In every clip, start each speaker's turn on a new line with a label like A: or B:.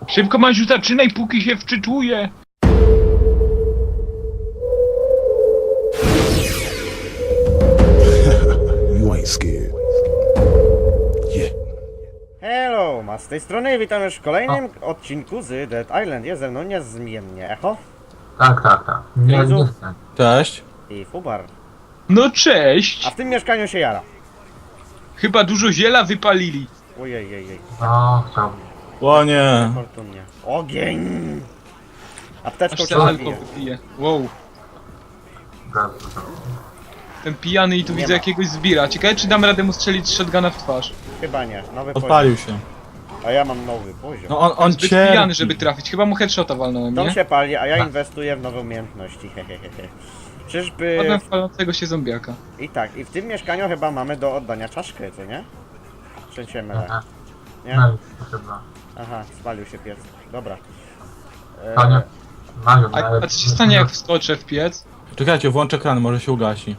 A: Szybko, Maziu, zaczynaj, póki się wczytuje.
B: You ain't scared. Yeah.
C: Hello, z tej strony witam już w kolejnym odcinku z Dead Island. Jest ze mną niezmiennie Echo
D: Tak. Nie
C: Jezu.
D: jestem.
E: Cześć.
C: i Fubar.
A: No
C: A
A: cześć.
C: w tym mieszkaniu się jara.
A: Chyba dużo ziela wypalili.
C: Ojej.
D: No, chciałbym.
E: O nie.
C: Fortunnie. Ogień! Apteczką
A: Aż
C: cię
A: ten
C: zabiję.
A: alkohol wypije. Wow.
D: Gaz.
A: Ten pijany i tu
C: Nie
A: widzę
C: ma.
A: jakiegoś zbira. Ciekawe, czy damy radę mu strzelić z shotguna w twarz.
C: Chyba nie, nowy poziom.
E: Odpalił się.
C: A ja mam nowy poziom.
E: No on
A: Zbyt
E: cierpi.
A: pijany, żeby trafić. Chyba mu headshota walnąłem,
C: Dom
A: nie?
C: się pali, a ja inwestuję w nowe umiejętności. Hehehe. Czyżby...
A: Potem falącego się zombiaka.
C: I tak, i w tym mieszkaniu chyba mamy do oddania czaszkę, co nie? Czy się mylę? Nie?
D: No i chyba.
C: Aha, spalił się piec. Dobra.
D: To nie. Mają,
A: A co się stanie, jak wskoczę w piec?
E: Czekajcie, włączę kran, może się ugasi.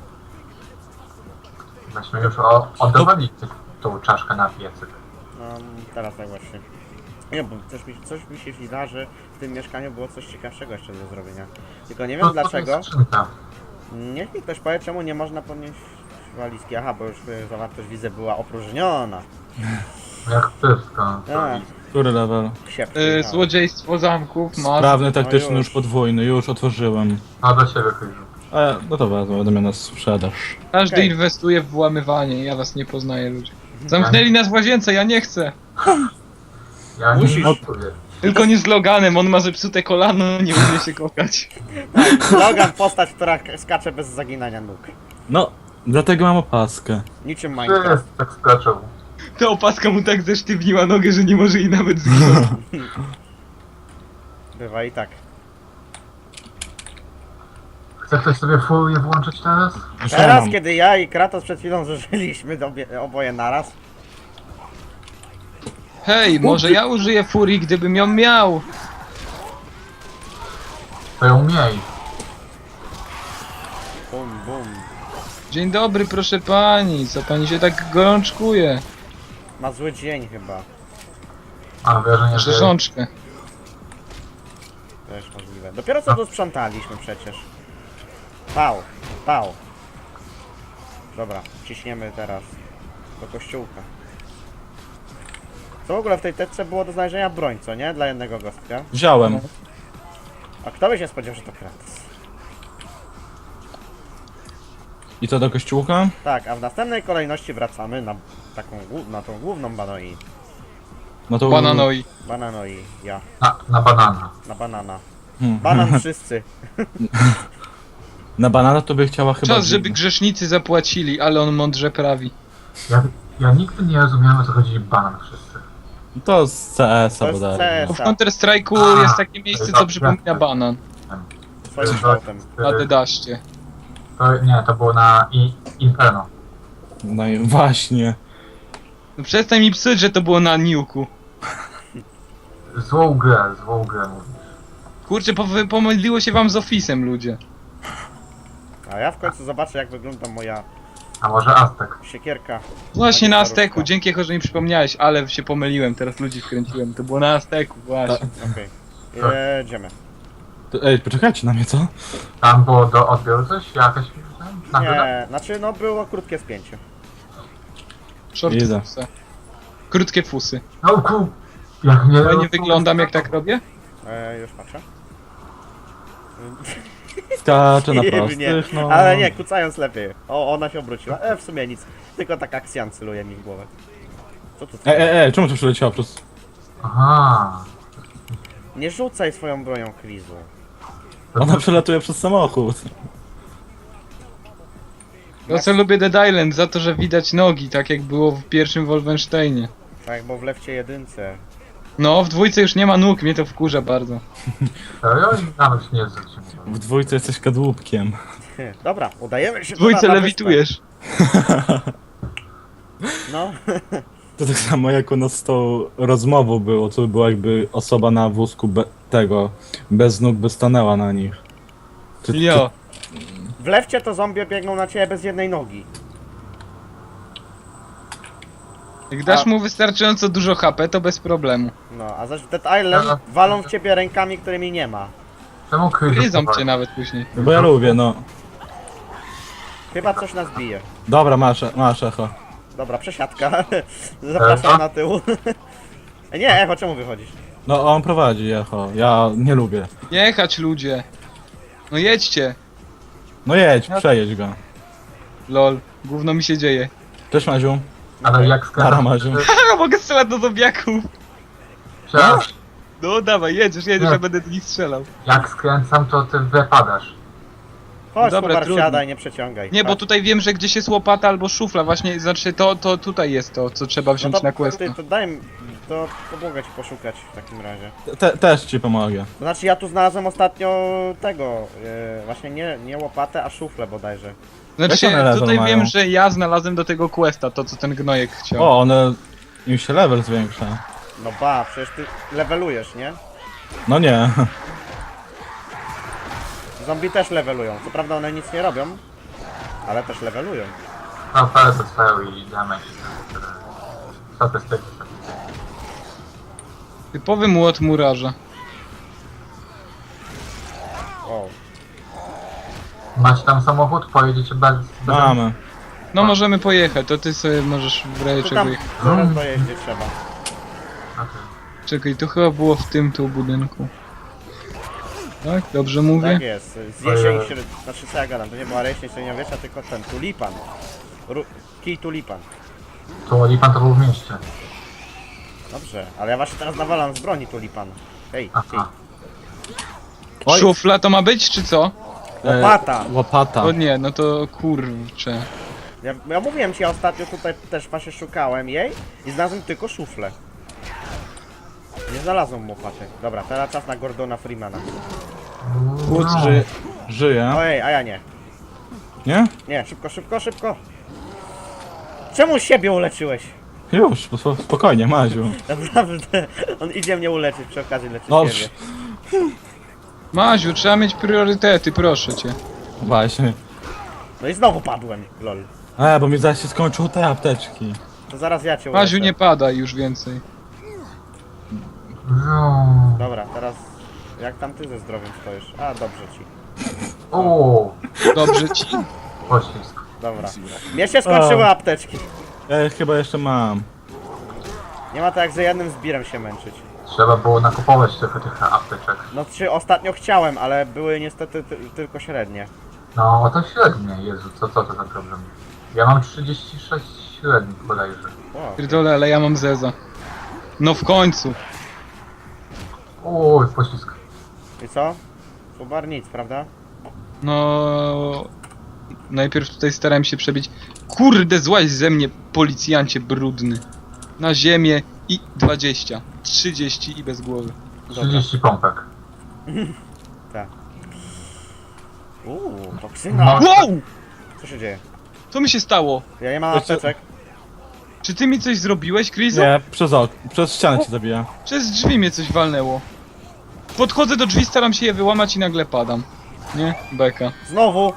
D: Myśmy już oddawali tą czaszkę na piecyk.
C: No, teraz tak właśnie. Nie, bo coś mi się wydaje, że w tym mieszkaniu było coś ciekawszego jeszcze do zrobienia. Tylko nie wiem dlaczego.
D: To jest skrzynka.
C: Niech mi ktoś powie, czemu nie można podnieść walizki. Aha, bo już zawartość widzę była opróżniona.
D: Jak wszystko.
C: A,
E: Który level?
C: siepki. no.
A: Złodziejstwo zamków, masz.
E: Sprawny, taktyczny,
C: No
E: już
C: już.
E: podwójny, już otworzyłem.
D: No do siebie chyba.
E: No to wezmę, będę miał na sprzedaż.
A: Każdy
C: Okej.
A: inwestuje w włamywanie. Ja was nie poznaję, ludzie. Zamknęli nas w łazience, ja nie chcę.
D: Ja
C: Musisz.
D: nie czuję.
A: Tylko nie z Loganem, on ma zepsute kolano, nie umie się kokać.
C: Logan, postać, która skacze bez zaginania nóg.
E: No, dlatego mam opaskę.
C: Niczym
D: Czy
C: Minecraft.
D: jest tak skaczą?
A: Ta opaska mu tak zesztywniła nogę, że nie może jej nawet zginąć.
C: Bywa i tak.
D: Chce ktoś sobie furię włączyć teraz?
E: Już
C: Teraz,
E: mam.
C: kiedy ja i Kratos przed chwilą zużyliśmy oboje naraz.
A: Hej, może ja użyję furii, gdybym ją miał.
D: To ją miej.
C: Bum.
A: Dzień dobry, proszę pani, co pani się tak gorączkuje?
C: Ma zły dzień chyba.
D: Mam wrażenie, że...
A: Rzeżączkę.
C: Też możliwe. Dopiero co tu sprzątaliśmy przecież. Pał. Dobra, ciśniemy teraz do kościółka. Co w ogóle w tej teczce było do znalezienia broń, co nie? Dla jednego gostka.
E: Wziąłem.
C: A kto by się spodziewał, że to Kratos?
E: I to do kościółka?
C: Tak, a w następnej kolejności wracamy na taką, na tą główną banoi.
E: No to...
A: Bananoi.
C: Bananoi, ja.
D: Na banana.
C: Na banana.
E: Hmm.
C: Banan wszyscy.
E: Na banana to by chciała chyba...
A: Czas, żeby grzesznicy zapłacili, ale on mądrze prawi.
D: Ja nigdy nie rozumiałem, o co chodzi banan wszyscy.
E: To z CS-a
C: To jest
E: bodajże.
A: Bo w
C: CS-a.
A: Counter-Strike'u jest takie miejsce, co przypomina banan.
C: Swoim kształtem.
A: Na dedaście.
D: To było na Inferno.
E: No i właśnie.
A: No przestań mi psuć, że to było na Niuku.
D: Złą grę mówisz.
A: Kurczę, pomyliło się wam z Office'em, ludzie.
C: A ja w końcu zobaczę, jak wygląda moja
D: A może Aztek?
C: siekierka.
A: Właśnie na
C: Magisterówka.
A: Azteku, dzięki Echo, że mi przypomniałeś, ale się pomyliłem, teraz ludzi wkręciłem. To było na Azteku, właśnie.
C: Okej. Jedziemy.
E: Ej, poczekajcie na mnie, co?
D: Tam było do odbioru coś? Jakaś... nagroda?
C: Nie, znaczy no było krótkie spięcie.
A: Short
E: Idę.
A: fusy. Krótkie fusy.
D: No jak nie...
A: Fajnie wyglądam, jak tak robię?
C: Już patrzę.
E: Skaczę na
C: Nie,
E: prostych, no.
C: ale nie, kucając lepiej. O, ona się obróciła. W sumie nic. Tylko tak akcjan celuje mi w głowę. Co tu?
E: Czemu to przyleciało przez...
D: Aha.
C: Nie rzucaj swoją bronią Krizu.
E: Ona przelatuje przez samochód.
A: To co lubię Dead Island, za to, że widać nogi, tak jak było w pierwszym Wolfensteinie.
C: Tak, bo w lewcie jedynce.
A: No, w dwójce już nie ma nóg, mnie to wkurza bardzo.
D: Serio? Nawet się nie zwróciłem.
E: W dwójce jesteś kadłubkiem.
C: Dobra, udajemy się
A: W dwójce
C: na
A: lewitujesz.
C: wyspę. No,
E: To tak samo jak u nas z tą rozmową było, co było jakby osoba na wózku bez nóg by stanęła na nich.
A: Jo.
C: w lewcie to zombie biegną na ciebie bez jednej nogi.
A: Jak dasz mu wystarczająco dużo HP, to bez problemu.
C: No, a zaś w Dead Island walą w ciebie rękami, którymi nie ma.
D: Czemu kryzys?
A: Gryzą cię nawet później.
E: Bo ja lubię, no.
C: Chyba coś nas bije.
E: Dobra, masz echo.
C: Dobra, przesiadka. Zapraszam na tył. Nie, Echo, czemu wychodzisz?
E: No on prowadzi echo, ja nie lubię.
A: Jechać ludzie. No jedźcie.
E: No jedź, przejedź go.
A: Lol, gówno mi się dzieje.
E: Cześć Maziu.
D: Ale jak
E: Nara,
D: skręcam...
E: Maziu.
A: Haha, mogę strzelać do zombiaków.
D: Przepraszam,
A: No dawaj, jedziesz,
E: No.
A: ja będę do nich strzelał.
D: jak skręcam, to ty wypadasz.
C: Chodź,
A: Dobra,
C: Kubar,
A: trudno.
C: siadaj, nie przeciągaj.
A: Nie, bo
C: Chodź.
A: tutaj wiem, że gdzieś jest łopata albo szufla, właśnie, znaczy to tutaj jest to, co trzeba wziąć na quest.
C: to daj mi, to pomogę ci poszukać w takim razie.
E: Też ci pomogę.
C: To znaczy ja tu znalazłem ostatnio tego, właśnie nie łopatę, a szuflę bodajże.
A: Znaczy,
E: Jak one level
A: tutaj
E: mają?
A: wiem, że ja znalazłem do tego questa, to co ten gnojek chciał.
E: O, one... Im się level zwiększa.
C: No ba, przecież ty levelujesz, nie?
E: No nie.
C: Zombie też levelują, co prawda one nic nie robią, ale też levelują.
D: No, ale to swoją i damage. Statystyki.
A: Typowy młot murarza.
C: O,
D: Macie tam samochód? Pojedziecie bez...
E: Mamy.
A: No możemy pojechać, to ty sobie możesz w razie
C: tu
A: czego
C: tam
A: jechać.
C: zaraz dojeździe trzeba.
D: Okej.
A: Czekaj, to chyba było w tym tu budynku. Tak? Dobrze mówię?
C: Tak jest, z jesień, znaczy co ja gadam, to nie była jesień średniowiecza, tylko ten tulipan. Kij tulipan.
D: To Lipan to był w mieście.
C: Dobrze, ale ja właśnie teraz nawalam z broni tulipan. Hej, kij.
D: Aha.
E: Oj.
A: Szufla to ma być, czy co?
C: Łopata!
E: Łopata.
A: O nie, no to kurczę.
C: Ja mówiłem ci, ja ostatnio tutaj też właśnie szukałem jej i znalazłem tylko szuflę. Nie znalazłem łopaty. Dobra, teraz czas na Gordona Freemana.
E: Płuc żyje.
C: Ojej, a ja nie.
E: Nie?
C: Nie, szybko, szybko, szybko! Czemu siebie uleczyłeś?
E: Już, spokojnie, Maziu.
C: Naprawdę, on idzie mnie uleczyć, przy okazji leczy
E: No,
C: siebie.
A: Maziu, trzeba mieć priorytety, proszę cię.
E: Właśnie.
C: No i znowu padłem, lol.
E: Bo mi zaś się skończyły te apteczki.
C: To zaraz ja cię uleczę.
A: Maziu, nie padaj już więcej.
C: Dobra, teraz jak tam ty ze zdrowiem stoisz? A, dobrze ci.
D: Uuu,
A: Dobrze ci?
D: poślizg.
C: Dobra. Mnie się skończyły apteczki.
E: Ja chyba jeszcze mam.
C: Nie ma tak jak za jednym zbirem się męczyć.
D: Trzeba było nakupować trochę tych apteczek.
C: No czy ostatnio chciałem, ale były niestety tylko średnie.
D: No, to średnie, Jezu, co to za problem? Ja mam 36 średnich bodajże.
C: O,
A: Pierdolę, ale ja mam zeza. No w końcu.
D: Uuu, poślizg.
C: i co? Kubar nic, prawda?
A: No... Najpierw tutaj starałem się przebić. Kurde, złaź ze mnie, policjancie brudny. Na ziemię i 20. 30 i bez głowy.
D: 30 pompek.
C: Tak. Toksyna.
D: No.
A: Wow!
C: Co się dzieje?
A: Co mi się stało?
C: Ja nie mam
E: Jeszcze-
C: apteczek.
A: Czy ty mi coś zrobiłeś, Krizo?
E: Nie, przez ścianę cię zabija.
A: Przez drzwi mnie coś walnęło. Podchodzę do drzwi, staram się je wyłamać i nagle padam. Nie? Beka.
C: Znowu!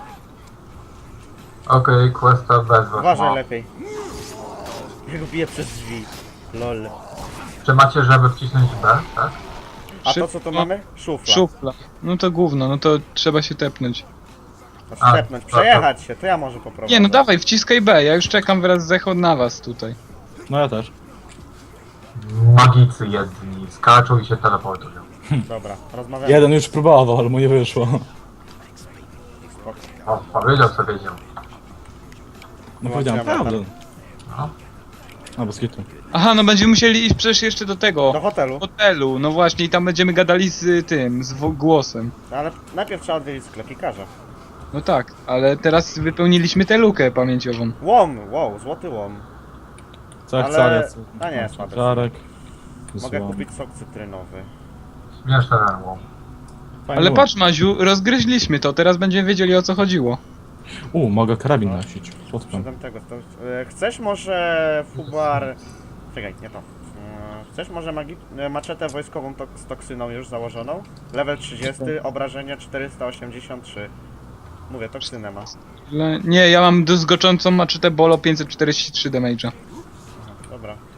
D: Okej, questa bez was.
C: Uważaj
D: No.
C: lepiej. Ja go biję przez drzwi. Lol.
D: Czy macie, żeby wcisnąć B, tak?
C: A to
A: Szybko.
C: co tu mamy? Szufla.
A: Szufla. No to gówno, no to trzeba się tepnąć.
C: To
D: A,
C: stepnąć,
D: to-
C: przejechać się, to ja może poprowadzę.
A: Nie, no dawaj, wciskaj B, ja już czekam wraz z Echo na was tutaj.
E: No ja też.
D: Magicy jedni skaczą i się teleportują.
C: Dobra, rozmawiamy.
E: Jeden już próbował, ale mu nie wyszło.
C: Spoko.
D: O, powiedział co wiedział.
E: No powiedziałem
C: Włączyłem
E: prawdę.
D: No.
E: No bez kitu.
A: Aha, no będziemy musieli iść przecież jeszcze do tego
C: Do hotelu.
A: hotelu, no właśnie i tam będziemy gadali z tym, z głosem.
C: No, ale najpierw trzeba odwiedzić sklepikarza.
A: No tak, ale teraz wypełniliśmy tę lukę pamięciową.
C: Łom, wow, złoty łom.
E: Co jak
C: Ale-
E: cariec.
C: a nie, słabe.
E: Czarek.
C: Mogę
E: Złom.
C: kupić sok cytrynowy.
D: Śmieszne ten łom.
E: Fajny
A: Ale
E: łom.
A: patrz Maziu, rozgryźliśmy to, teraz będziemy wiedzieli o co chodziło.
E: Mogę karabin nosić. Słodko.
C: Przedem tego. Chcesz może Fubar... Czekaj, nie to. Chcesz może maczetę wojskową z toksyną już założoną? Level 30, obrażenia 483. Mówię, toksynę ma.
A: Nie, ja mam druzgoczącą maczetę Bolo 543 damage'a.
C: Dobra.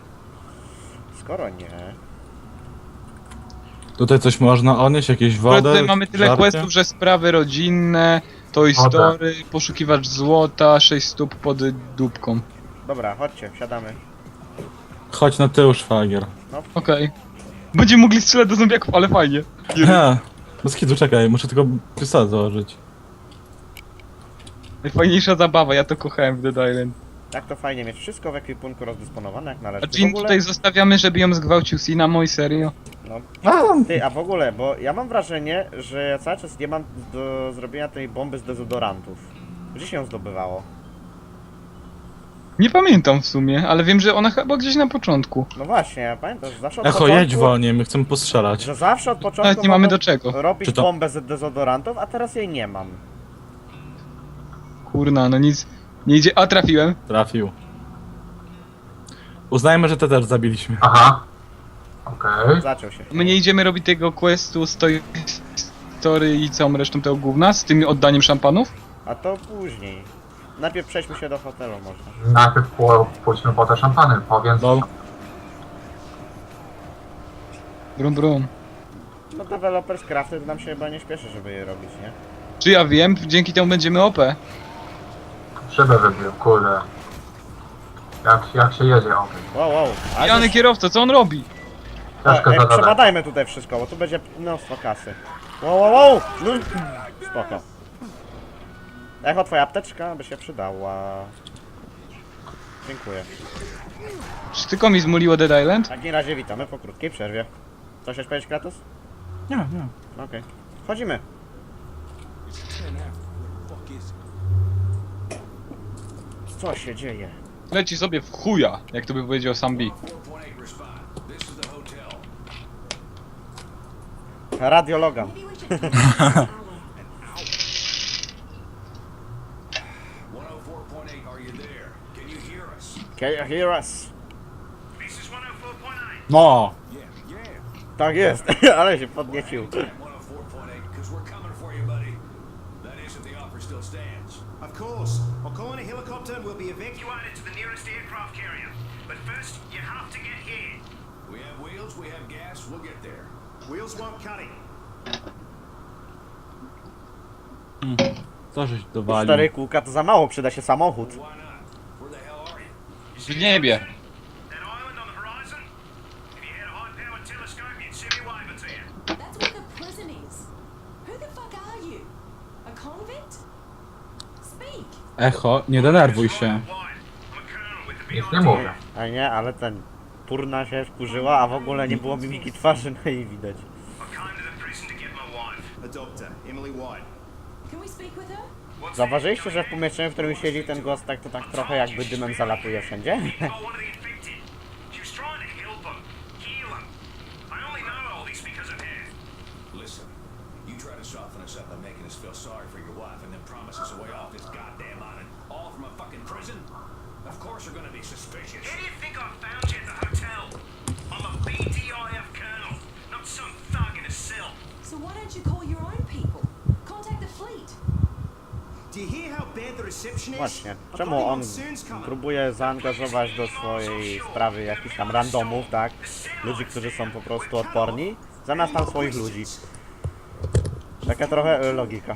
C: skoro nie...
E: Tutaj coś można odnieść, jakieś
A: Ale
E: wodę,
A: tutaj mamy tyle
E: żarcie?
A: questów, że sprawy rodzinne, Toy
D: Woda.
A: Story, poszukiwacz złota, 6 stóp pod dupką.
C: Dobra, chodźcie, wsiadamy.
E: Chodź na tył, szwagier.
A: Okej. Będziemy mogli strzelać do zombiaków, ale fajnie.
E: Ha, bez kitu, czekaj, muszę tylko pistolet założyć.
A: Najfajniejsza zabawa, ja to kochałem w Dead Island.
C: Tak to fajnie mieć wszystko w ekwipunku rozdysponowane jak należy.
A: A Jean tutaj zostawiamy, żeby ją zgwałcił Cinnamon, serio?
C: Ty, a w ogóle, bo ja mam wrażenie, że ja cały czas nie mam do zrobienia tej bomby z dezodorantów. Gdzie się ją zdobywało?
A: Nie pamiętam w sumie, ale wiem, że ona chyba gdzieś na początku.
C: No właśnie, ja pamiętam, że zawsze od
E: Echo,
C: początku...
E: jedź wolniej, my chcemy postrzelać.
C: Że zawsze od początku
A: Nawet nie mamy
C: mogłem
A: do czego.
C: robić
E: Czy to-
C: bombę z dezodorantów, a teraz jej nie mam.
A: Kurna, no nic. Nie idzie. A trafiłem.
E: Trafił. Uznajmy, że te też zabiliśmy.
D: Aha. Okej.
C: Zaczął się.
A: My nie idziemy robić tego questu z Toy Story i całą resztą tego gówna, z tym oddaniem szampanów?
C: A to później. Najpierw przejdźmy się do hotelu może.
D: Najpierw pójdźmy po te szampany, powiem.
E: No.
A: Brum brum.
C: No developers crafty to nam się chyba nie śpieszy, żeby je robić, nie?
A: Czy ja wiem, dzięki temu będziemy OP.
D: Szybę wybił, kurde. Jak się jedzie, okej.
C: Wow, wow. A
A: Jany kierowca, co on robi?
D: Ciężko zadać.
C: przebadajmy tutaj wszystko, bo tu będzie mnóstwo kasy. Wow, wow, wow! No, spoko. Echo, twoja apteczka by się przydała. Dziękuję.
A: Czy tylko mi zmuliło Dead Island?
C: W takim razie witamy po krótkiej przerwie. Coś chcesz powiedzieć, Kratos?
E: Nie, nie.
C: Okej. Wchodzimy. Co się dzieje?
A: Leci sobie w chuja, jak to by powiedział sam B.
C: Radiologa. Can you hear us?
E: No!
C: Tak jest, ale się podniecił.
F: 104.8, because we're coming for you, buddy. That is, if the offer still stands.
G: Of course. I'll call in a helicopter and we'll be evacuated to the nearest aircraft carrier. But first, you have to get here.
F: We have wheels, we have gas, we'll get there.
G: Wheels won't cut it.
E: Co żeś dowalił?
C: 4 kółka to za mało, przyda się samochód.
F: Why not? Where the hell are you?
A: W niebie.
G: That island on the horizon? If you had a high-powered telescope, you'd see me waving to you.
H: That's where the prison is. Who the fuck are you? A convict? Speak.
E: Echo, nie denerwuj się.
G: I'm a colonel with the
D: Nic
G: BIT.
D: nie mówię.
C: A nie, ale ten turna się wkurzyła, a w ogóle nie było mimiki twarzy na jej widać.
G: I came to the prison to get my wife. A doctor, Emily White.
H: Can we speak with her?
C: Zauważyliście, że w pomieszczeniu, w którym siedzi ten gość, tak to tak trochę jakby dymem zalatuje wszędzie?
G: Oh, one of the infected. She was trying to help him, heal him. I only know all this because of her.
F: Listen, you try to soften us up by making us feel sorry for your wife and then promise us a way off this goddamn island, all from a fucking prison? Of course we're gonna be suspicious.
G: How do you think I found you at the hotel? I'm a BDIF colonel, not some thug in a cell.
H: So why don't you call your own people? Contact the fleet.
G: Do you hear how bad the reception is?
C: Właśnie, czemu on próbuje zaangażować do swojej sprawy jakichś tam randomów, tak? Ludzi, którzy są po prostu odporni, zamiast tam swoich ludzi. Taka trochę logika.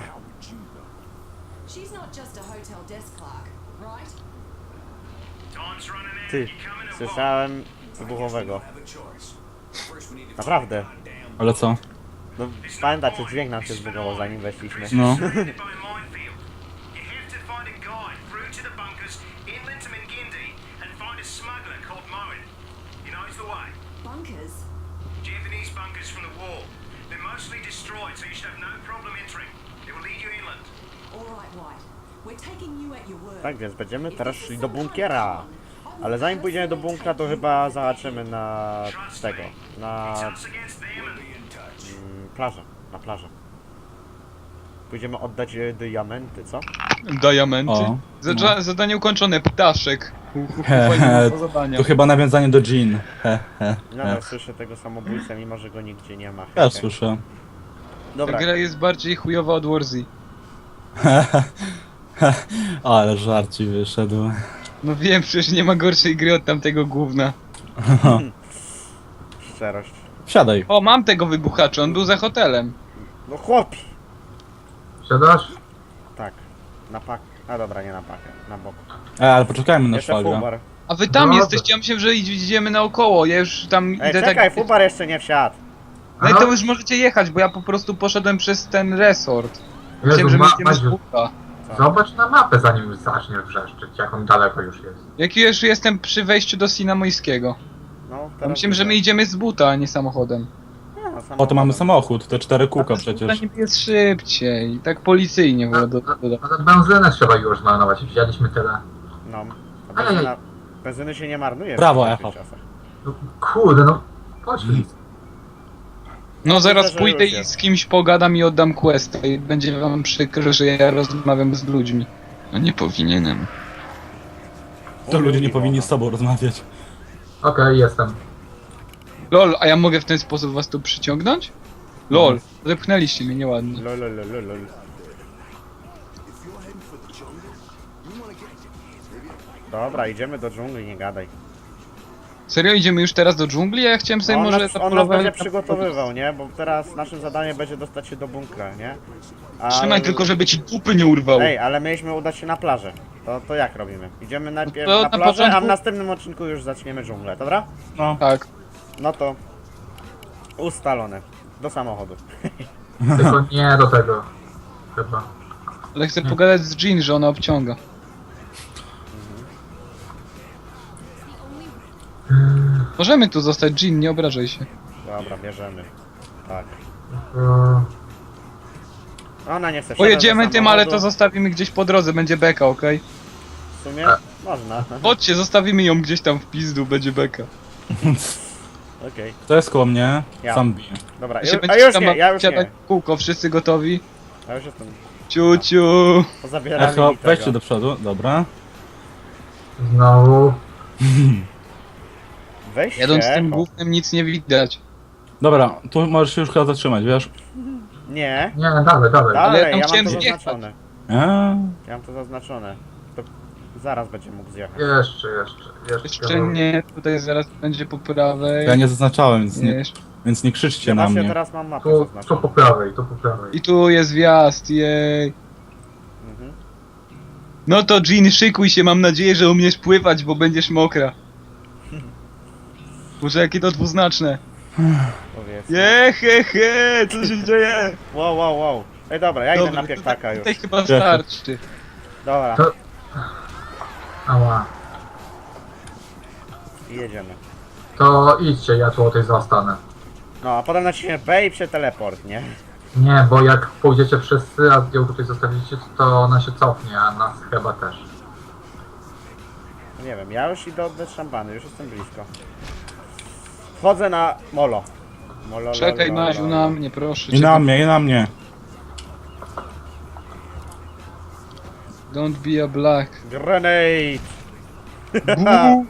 H: She's not just a hotel desk clerk, right?
G: Time's running out.
C: Ty,
G: You coming or what?
C: słyszałem wybuchowego.
F: Have a choice. First we need to
C: Naprawdę.
F: goddamn
E: Ale co?
C: No pamiętacie, dźwięk nam się zbugował zanim weszliśmy.
E: No.
G: Surrounded by a minefield. You have to find a guide through to the bunkers inland to Mingindi and find a smuggler called Moen. He knows the way.
H: Bunkers.
G: Japanese bunkers from the war. They're mostly destroyed, so you should have no problem entering. It will lead you inland.
H: All right, White. We're taking you at your word.
C: Tak więc będziemy teraz szli do bunkiera. Ale zanim pójdziemy do bunkra, to chyba zahaczymy na tego, na
G: It's us against them and
C: plażę, na plażę. Pójdziemy oddać diamenty, co?
A: Diamenty.
E: O,
A: Zadanie ukończone, ptaszek.
E: He,
A: Do zadania.
E: to chyba nawiązanie do Jean. He, he.
C: Nadal słyszę tego samobójcę, mimo że go nigdzie nie ma.
E: Ja słyszę.
A: Ta
C: Dobra,
A: gra jest bardziej chujowa od Warzy.
E: Ale żarci wyszedł.
A: No wiem, przecież nie ma gorszej gry od tamtego gówna.
C: szczerość.
E: Wsiadaj.
A: O, mam tego wybuchacza, on był za hotelem.
C: No chłopi!
D: Siadasz?
C: Tak, na pak. A dobra, nie na pakę, na bok.
E: Ale poczekajmy na
C: Jeszcze
E: szwagra.
C: Fubar.
A: A wy tam
D: No,
A: jesteście, ja myślałem, że idziemy naokoło, ja już tam
C: Ej,
A: idę
C: czekaj,
A: tak...
C: Fubar jeszcze nie wsiadł.
A: No i to już możecie jechać, bo ja po prostu poszedłem przez ten resort.
D: Jezu,
A: Myślałem, że my idziemy z
D: Madziu,
A: buta.
D: zobacz na mapę, zanim już zaczniesz wrzeszczeć, jak on daleko już jest.
A: Jak już jestem przy wejściu do Sinamojskiego.
C: No,
A: Ja myślałem, że my idziemy z buta, a nie samochodem.
E: O, to mamy samochód, te 4 kółka przecież.
A: To jest szybciej, tak policyjnie było do...
D: Ale benzynę trzeba już zmarnować, wzięliśmy tyle.
C: No, a benzyna, benzyny się nie marnuje.
E: Brawo,
C: w takich
E: Echo.
C: czasach.
D: No, kurde, no, poślij.
A: No zaraz
C: Myślę, że
A: pójdę
C: już
A: i
C: jest.
A: z kimś pogadam i oddam quest i będzie wam przykro, że ja rozmawiam z ludźmi. No nie powinienem.
E: To ludzie nie powinni z sobą rozmawiać.
D: Okej, jestem.
A: Lol, a ja mogę w ten sposób was tu przyciągnąć? Lol, zepchnęliście mnie nieładnie.
C: Lol, lol, lol, lol. Dobra, idziemy do dżungli, nie gadaj.
A: Serio, idziemy już teraz do dżungli? Ja chciałem sobie
C: On
A: może
C: nas
A: zapolować...
C: będzie przygotowywał, nie? Bo teraz naszym zadaniem będzie dostać się do bunkra, nie?
A: Trzymaj tylko, żeby ci dupy nie urwało.
C: Ej, ale mieliśmy udać się na plażę. To jak robimy? Idziemy najpierw
A: to
C: na
A: na
C: plażę, a
A: początku-
C: w następnym odcinku już zaczniemy dżunglę, dobra?
E: No.
A: Tak.
C: No to ustalone. Do samochodu.
D: Tylko nie do tego. Chyba.
A: Ale chcę pogadać z Jean, że ona obciąga. Możemy tu zostać, Jean, nie obrażaj się.
C: Dobra, bierzemy. Tak.
D: To...
C: Ona nie chce wsiadać
A: Pojedziemy
C: do
A: tym, ale to
C: samochodu.
A: zostawimy gdzieś po drodze, będzie beka, okej?
C: W sumie można.
A: Chodźcie, zostawimy ją gdzieś tam w pizdu, będzie beka.
C: Okej.
E: Kto jest koło mnie?
C: Ja.
E: Sam bije.
C: Dobra,
A: Ja się
C: a
A: będziecie
C: już
A: tam
C: nie, ja już
A: siadać
C: nie.
A: w kółko, wszyscy gotowi?
C: Ja już jestem.
A: Ciu, ciu.
C: Pozabierali
E: Echo,
C: mi tego.
E: wejdźcie do przodu, dobra.
D: Znowu.
C: Weźcie,
A: Jadąc tym
C: Echo.
A: głównym nic nie widać.
E: Dobra, tu możesz się już chyba zatrzymać, wiesz?
C: Nie.
D: Nie, dalej.
A: Ale ja
C: Dalej,
A: tam
C: ja mam
A: chciałem
C: to
A: zjechać.
C: zaznaczone.
E: A,
C: Ja mam to zaznaczone. To zaraz będzie mógł zjechać.
A: Jeszcze nie, tutaj zaraz będzie po prawej.
E: ja nie zaznaczałem, więc
A: Nie.
E: więc nie krzyczcie
C: Ja
E: na
C: właśnie
E: mnie.
C: teraz mam mapę
D: Tu po
C: zaznaczoną.
D: prawej, tu po prawej.
A: I tu jest wjazd, jej.
C: Mhm.
A: No to Jean, szykuj się, mam nadzieję, że umiesz pływać, bo będziesz mokra. Boże, jakie to dwuznaczne.
C: Powiedz.
A: Je, he, co się dzieje?
C: Wow, wow, wow. Ej, dobra, ja idę
A: Dobra,
C: na piektaka już.
A: tutaj chyba starczy.
C: Dobra,
D: To- Ała.
C: i jedziemy.
D: To idźcie, ja tu o tej zostanę.
C: No, a potem naciśniemy B i się teleport, nie?
D: Nie, bo jak pójdziecie wszyscy, a ją tutaj zostawicie, to ona się cofnie, a nas chyba też.
C: Nie wiem, ja już idę oddać szampany, już jestem blisko. Wchodzę na molo. Molo,
A: Czekaj,
C: lolo,
A: Maziu,
C: lolo.
A: na mnie, proszę
E: I
A: cię.
E: na mnie, i na mnie.
A: Don't be a black.
C: Grenade!
A: Bu.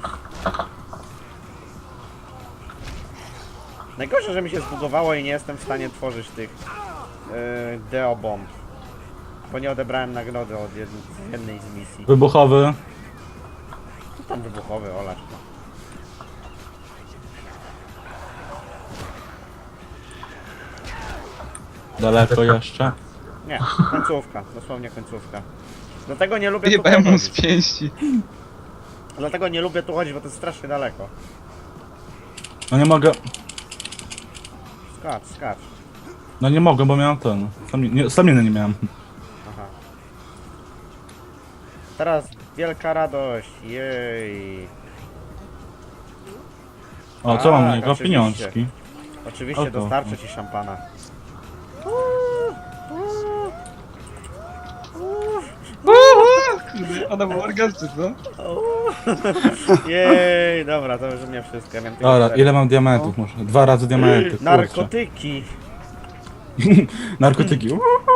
C: Najgorsze, że mi się zbugowało i nie jestem w stanie tworzyć tych Deo bomb. Bo nie odebrałem nagrody od jednej z misji.
E: Wybuchowy.
C: Co tam wybuchowy, olacz.
E: Daleko jeszcze.
C: Nie, końcówka, dosłownie końcówka. Dlatego nie lubię tu
A: Jebałem mu z
C: chodzić.
A: pięści.
C: Dlatego nie lubię tu chodzić, bo to jest strasznie daleko.
E: No nie mogę.
C: Skacz, skacz.
E: No nie mogę, bo miałem ten. Staminy nie miałem.
C: Aha. Teraz wielka radość, jej.
E: O, co mam
C: Tak,
E: u niego?
C: oczywiście.
E: Pieniążki.
C: Oczywiście
E: Oto.
C: dostarczę ci szampana.
A: Kurde, ona była orgasty, co?
C: Jej, dobra, to już mnie wszystko. Ja wiem tylko
E: Dobra,
C: cztery.
E: ile mam diamentów? Może 2 razy diamenty, kurczę.
C: Narkotyki.
E: Narkotyki.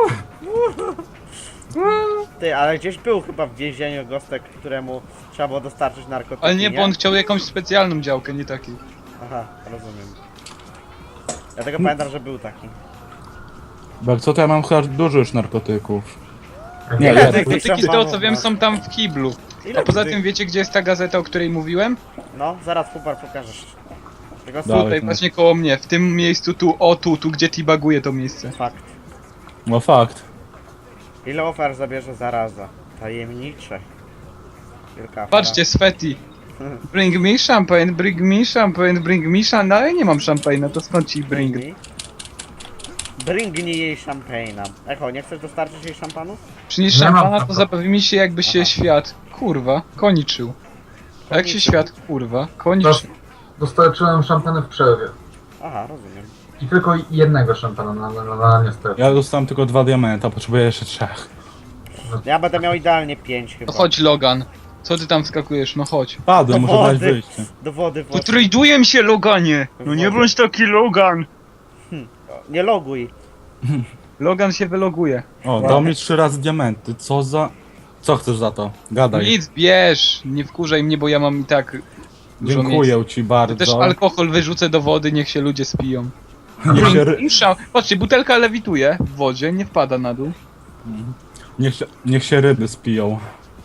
C: Ty, ale gdzieś był chyba w więzieniu gostek, któremu trzeba było dostarczyć narkotyki,
A: Ale nie, bo on chciał jakąś specjalną działkę, nie takiej.
C: Aha, rozumiem. Ja tego pamiętam, że był taki.
E: Bo co to ja mam chyba dużo już narkotyków.
C: Ile
E: Nie, ja,
C: tych
A: Narkotyki z tego
C: szampanów
A: co wiem
C: masz?
A: są tam w kiblu.
C: Ile
A: A poza
C: tych-
A: tym wiecie gdzie jest ta gazeta, o której mówiłem?
C: No, zaraz Fubar pokażesz. Tylko
E: Dalej.
A: Tutaj
E: no.
A: właśnie koło mnie, w tym miejscu tu, o tu gdzie baguje to miejsce.
C: fakt.
E: No fakt.
C: Ile ofiar zabierze zaraza? Tajemnicze. Wielka afera.
A: Patrzcie, Sveti. Bring me champagne, bring me champagne, bring me champagne. No ale nie mam szampana, to skąd ci bring?
C: Bringnij jej szampana. Echo, nie chcesz dostarczyć jej szampanu?
A: Przynieś
D: Nie mam
A: szampana, to
D: szampana.
A: zabawi mi się jakby się
C: Aha.
A: świat, kurwa, koniczył. A jak się
C: Koniczył.
A: świat, kurwa, koniczył.
D: Dostarczyłem szampany w przerwie.
C: Aha, rozumiem.
D: I tylko jednego szampana na niestety.
E: Ja dostałem tylko 2 diamenta, potrzebuję jeszcze 3.
C: Ja będę miał idealnie 5 chyba.
A: No chodź Logan. Co ty tam skakujesz, no chodź.
E: Padłem, muszę
C: wody.
E: dać wyjście.
C: Do wody
A: To
C: włożyć.
A: traduję się Loganie! No nie
C: Wodzie.
A: bądź taki Logan!
C: Nie loguj.
A: Logan się wyloguje.
E: O, dał mi 3 razy diamenty, co za... Co chcesz za to? Gadaj.
A: Nic, bierz! Nie wkurzaj mnie, bo ja mam i tak dużo
E: Dziękuję
A: miejsca.
E: ci
A: To
E: bardzo.
A: też alkohol wyrzucę do wody, niech się ludzie spiją.
E: Niech się,
A: Patrzcie, butelka lewituje w wodzie, nie wpada na dół.
E: niech się ryby spiją.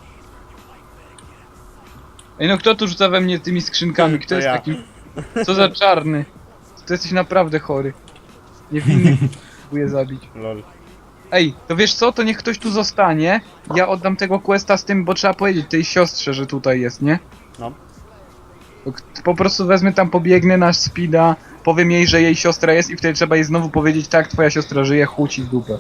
A: Ej no kto tu rzuca we mnie tymi skrzynkami? Kto
C: To
A: jest
C: ja.
A: takim... Co za czarny? Ty jesteś naprawdę chory. Niewinny próbuję zabić.
C: Lol.
A: Ej, to wiesz co? To niech ktoś tu zostanie. Ja oddam tego questa z tym, bo trzeba powiedzieć tej siostrze, że tutaj jest, nie?
C: No.
A: To po prostu wezmę tam, pobiegnę na speeda, powiem jej, że jej siostra jest i wtedy trzeba jej znowu powiedzieć, tak, twoja siostra żyje, chuci w dupę.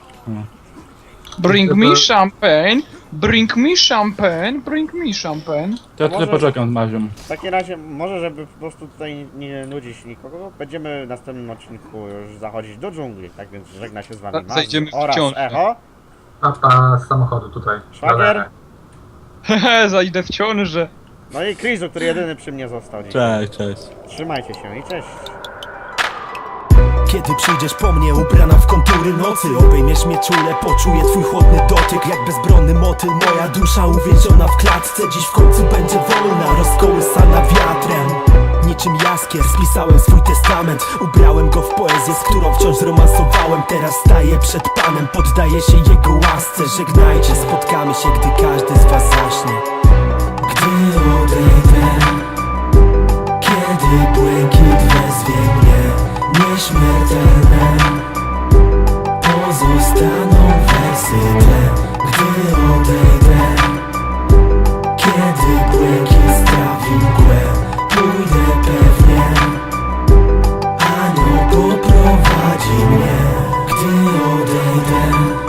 A: Bring me champagne, bring me champagne, bring me champagne.
E: To ja
C: Może-
E: tutaj poczekam z Mazią.
C: W takim razie, może żeby po prostu tutaj nie nudzić nikogo, będziemy w następnym odcinku już zachodzić do dżungli. Tak więc żegna się z wami Mazi
A: Zajdziemy w
C: oraz
A: ciążę.
C: Echo.
D: Papa z samochodu tutaj.
C: Szwagier.
A: Hehe, zajdę w ciążę.
C: No i Krizu, który jedyny przy mnie został dzisiaj.
E: Cześć.
C: Trzymajcie się i cześć.
I: Kiedy przyjdziesz po mnie ubrana w kontury nocy, obejmiesz mnie czule, poczuję twój chłodny dotyk. Jak bezbronny motyl, moja dusza uwięziona w klatce dziś w końcu będzie wolna, rozkołysana wiatrem. Niczym jaskier spisałem swój testament, ubrałem go w poezję, z którą wciąż romansowałem. Teraz staję przed Panem, poddaję się Jego łasce. Żegnajcie, spotkamy się, gdy każdy z was zaśnie. Gdy odejdę, kiedy błękit wezwie mnie, nieśmiertelne pozostaną wersy te. Gdy odejdę, kiedy błękit strawi mgłę, pójdę pewnie, anioł poprowadzi mnie. Gdy odejdę,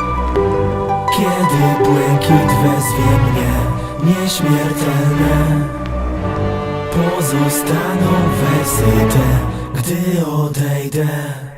I: kiedy błękit wezwie mnie, nieśmiertelne pozostaną wersy te. Gdy odejdę.